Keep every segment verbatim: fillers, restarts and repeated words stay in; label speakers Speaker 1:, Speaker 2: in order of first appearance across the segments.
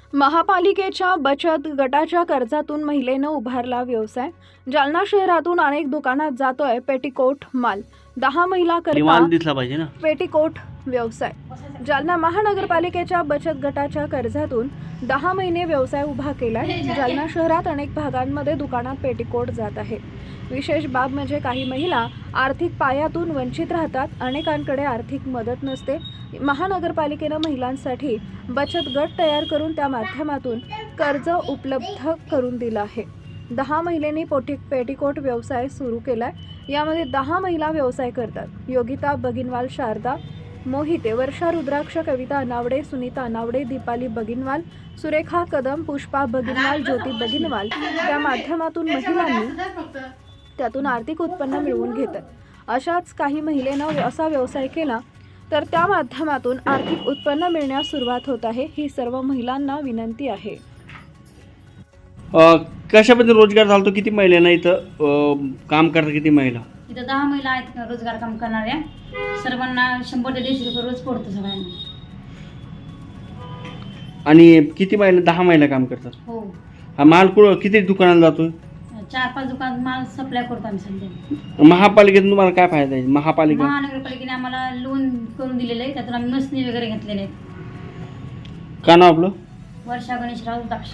Speaker 1: महापालिकेच्या बचत गटाच्या कर्जातून महिलेनं उभारला व्यवसाय. जालना शहरातून अनेक दुकानात जातोय पेटीकोट माल. दहा महिला करता
Speaker 2: माल दिसला पाहिजे ना.
Speaker 1: पेटीकोट व्यवसाय. जालना महानगरपालिकेच्या बचत गटाच्या कर्जातून दहा महिने व्यवसाय उभा केलाय. जालना शहरात अनेक भागांमध्ये दुकानात पेटीकोट जात आहे. विशेष बाब म्हणजे काही महिला आर्थिक पायातून वंचित राहतात. अनेकांकडे आर्थिक मदत नसते. महानगरपालिकेनं महिलांसाठी बचत गट तयार करून त्या माध्यमातून कर्ज उपलब्ध करून दिलं आहे. दहा महिलांनी पोटी पेटीकोट व्यवसाय सुरू केलाय. यामध्ये दहा महिला व्यवसाय करतात. योगिता बगिनवाल, शारदा मोहिते, वर्षा रुद्राक्ष, कविता अनावडे, सुनीता अनावडे, दीपाली बगिनवाल, सुरेखा कदम, पुष्पा बगिनवाल, ज्योती बगिनवाल त्या माध्यमातून महिलांनी त्यातून आर्थिक उत्पन्न मिळवून घेतात. अशाच काही महिलेनं असा व्यवसाय केला तर त्या माध्यमातून आर्थिक उत्पन्न मिळण्यास सुरुवात होत आहे. ही सर्व महिलांना विनंती आहे.
Speaker 2: कशाबद्दल रोजगार चालतो? किती महिलांना इथं काम करतात? किती महिला
Speaker 3: इथं? दहा महिला आहेत रोजगार काम करणाऱ्या. सर्वांना शंभर ते दीडशे रुपये रोज पडतो सगळ्यांना.
Speaker 2: आणि किती महिला? दहा महिला काम करतात.
Speaker 3: हो.
Speaker 2: हा माल कुठं किती दुकानाला जातो?
Speaker 3: चार पाच दुकान माल सप्लाय करतो आम्ही सध्या.
Speaker 2: महापालिकेतून तुम्हाला काय फायदा आहे? महापालिका
Speaker 3: महानगरपालिकेने आम्हाला लोन करून दिलेलं आहे. त्यातून आम्ही मसनी वगैरे घेतलेले आहेत.
Speaker 2: का नाव आपलं?
Speaker 3: वर्षा गणेशराव दाक्ष.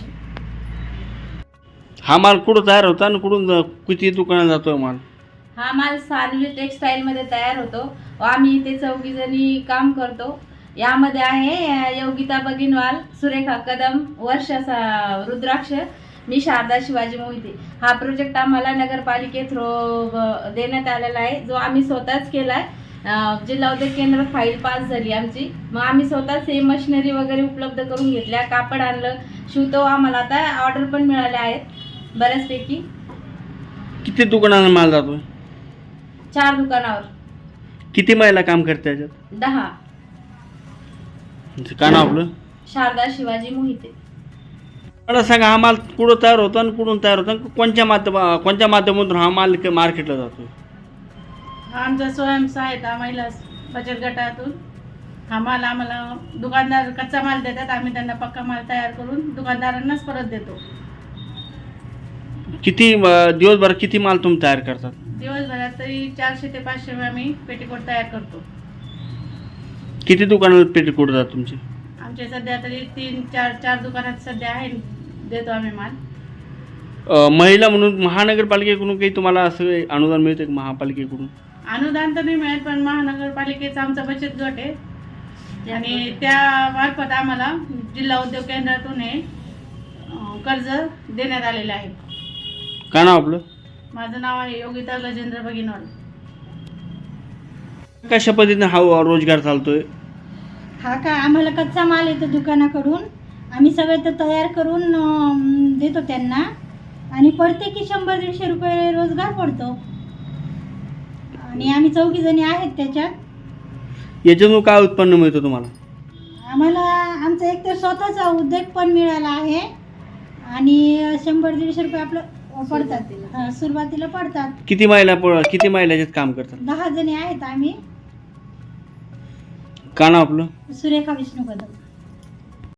Speaker 2: हा माल कुठं तयार होता आणि कुठून किती दुकानाला जातो माल?
Speaker 4: हा माल सानवी टेक्सटाईलमध्ये तयार होतो. आम्ही इथे चौघी जणी काम करतो. यामध्ये आहे योगिता बगिनवाल, सुरेखा कदम, वर्षा रुद्राक्ष, मी शारदा शिवाजी मोहिते. हा प्रोजेक्ट आम्हाला नगरपालिके थ्रू देण्यात आलेला आहे, जो आम्ही स्वतःच केला आहे. जिल्हा उद्योग केंद्र फाईल पास झाली आमची. मग आम्ही स्वतःच हे मशिनरी वगैरे उपलब्ध करून घेतल्या. कापड आणलं, शिवतो. आम्हाला आता ऑर्डर पण मिळाल्या आहेत बऱ्याचपैकी.
Speaker 2: किती दुकानांना माल जातो?
Speaker 4: चार दुकानावर.
Speaker 2: किती महिला काम करते त्याच्यात?
Speaker 4: दहा.
Speaker 2: का नाव आपलं?
Speaker 4: शारदा शिवाजी मोहिते.
Speaker 2: मला सांगा, हा माल कुठं तयार होतो आणि कुठून तयार होतो? कोणत्या माध्यम कोणत्या माध्यमातून हा माल मार्केटला जातो?
Speaker 5: हा आमचा स्वयंसहायता महिला बचत गटातून हा माल आम्हाला दुकानदार कच्चा माल देतात. आम्ही त्यांना पक्का माल तयार करून दुकानदारांनाच परत देतो.
Speaker 2: किती दिवसभरात किती माल तुम्ही तयार करतात?
Speaker 5: दिवसभरात तरी चारशे ते पाचशे आम्ही पेटीकोट तयार करतो.
Speaker 2: किती दुकानाला पेटीकोट जातात तुमचे?
Speaker 5: आमचे सध्या तरी तीन चार चार दुकानात सध्या आहे, देतो आम्ही माल.
Speaker 2: महिला म्हणून महानगरपालिकेकडून काही तुम्हाला असं अनुदान मिळतं का? महापालिकेकडून
Speaker 5: अनुदान तर नाही मिळत, पण महानगरपालिकेचा आमचा बचत गट आहे आणि त्या मार्फत आम्हाला जिल्हा उद्योग केंद्रातून हे कर्ज देण्यात आलेलं आहे.
Speaker 2: का नाव आपलं?
Speaker 5: माझं नाव आहे योगिता गजेंद्र बगिनवाल.
Speaker 2: कशा पद्धतीने हा रोजगार चालतोय?
Speaker 6: हा का, आम्हाला कच्चा माल येतो दुकानाकडून. आम्ही सगळं तर तयार करून अं, देतो त्यांना आणि पडते की शंभर दीडशे रुपये रोजगार पडतो. आणि आम्ही चौघी जणी आहेत त्याच्यात.
Speaker 2: याच्यातून काय उत्पन्न मिळतं तुम्हाला?
Speaker 6: आम्हाला आमचा एक तर स्वतःचा उद्योग पण मिळाला आहे आणि शंभर दीडशे रुपये आपलं पडतात. हां, सुरुवातीला पडतात.
Speaker 2: किती महिला किती महिला याच्यात काम करतात?
Speaker 6: दहा जणी आहेत आम्ही.
Speaker 2: का नाव आपलं?
Speaker 6: सुरेखा विष्णू कदम.